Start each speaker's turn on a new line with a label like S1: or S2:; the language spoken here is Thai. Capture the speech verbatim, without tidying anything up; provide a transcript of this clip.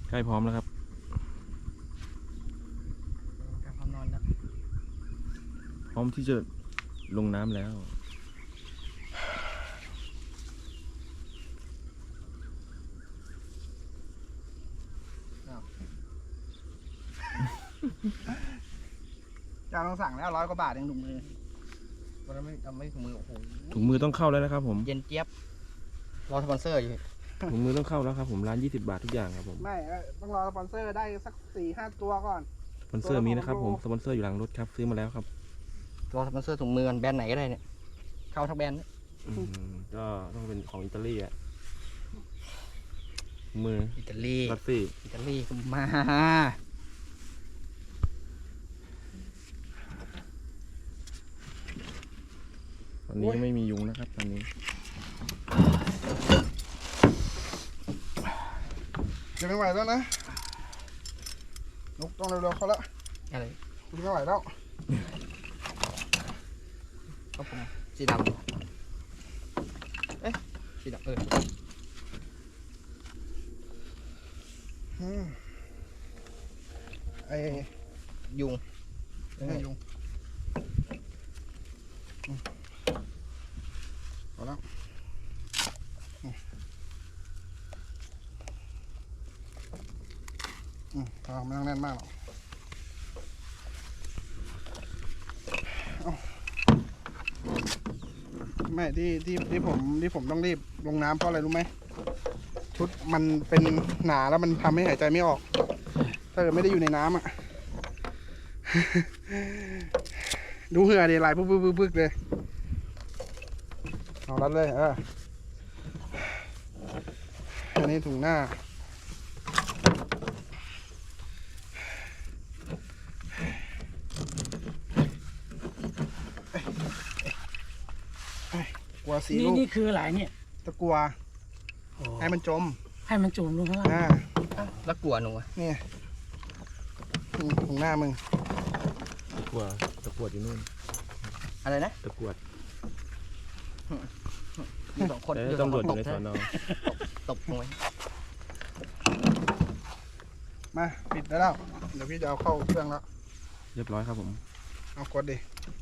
S1: ใกล้พร้อมแล้วครับ
S2: ใกล้พร้อมนอนแล้ว
S1: พร้อมที่จะลงน้ำแล้ว
S2: เจ้าต้องสั่งแล้วร้อยกว่าบาทเองถุงมือวันไม่เอาไม่ถุงมือโอ้โห
S1: ถุงมือต้องเข้าแล้วนะครับผม
S2: เย็นเจี๊ยบรอสปอนเซอร์อยู่
S1: ถุงมือต้องเข้าแล้วครับผมร้านยี่สิบบาททุกอย่างครับผม
S2: ไม่ต้องรอสปอนเซอร์ได้สักสี่ห้าตัวก่อน
S1: สปอนเซอร์มีนะครับผมสปอนเซอร์อยู่หลังรถครับซื้อมาแล้วครับ
S2: รอสปอนเซอร์ถุงมือแบรนด์ไหนก็ได้เนี่ยเข้าทั้งแบรนด์
S1: ก็ต้องเป็นของอิตาลีอ่ะมือ
S2: อิตาลี
S1: รัสซี่
S2: อิตาลีก็มา
S1: ตอนนี้ไม่มียุงนะครับตอนนี้
S3: จะไม่ไหวแล้วนะนกต้องเร็วๆเขาละ
S2: อะไร
S3: คุณไม่ไหวแล้ว
S2: ก็ผมสีดำเอ๊ะสีดำเออ
S3: ไอ้
S2: ยุง
S3: ไอ้ยุงเอาแล้วอืมพอไม่ต้องแน่นมากหรอกไม่ที่ที่ที่ผมที่ผมต้องรีบลงน้ำเพราะอะไรรู้ไหมชุดมันเป็นหนาแล้วมันทำให้หายใจไม่ออกถ้าเกิดไม่ได้อยู่ในน้ำอ่ะ ดูเหงื่อดิไหลปึ๊กปึ๊กปึ๊กปึ๊กเลยเอารัดเลยเอออันนี้ถุงหน้ากัวสีลูก
S4: นี่คืออะไรเนี่ย
S3: ตะกัวให้มันจม
S4: ให้มันจมลงข้างล่าง
S3: อ่า
S2: แล้วกลัวหนู
S3: นี่ถุงหน้ามึง
S1: ตะกวดตะกวดอยู่นู่น
S2: อะไรนะ
S1: ตะกวด
S2: อยู่สองคน
S1: ตำรวจอยู่ในสอนอ
S2: ตบลงไว้
S3: มาปิดได้แล้วเดี๋ยวพี่จะเอาเข้าเครื่องแล้ว
S1: เรียบร้อยครับผม
S3: เอากดดิ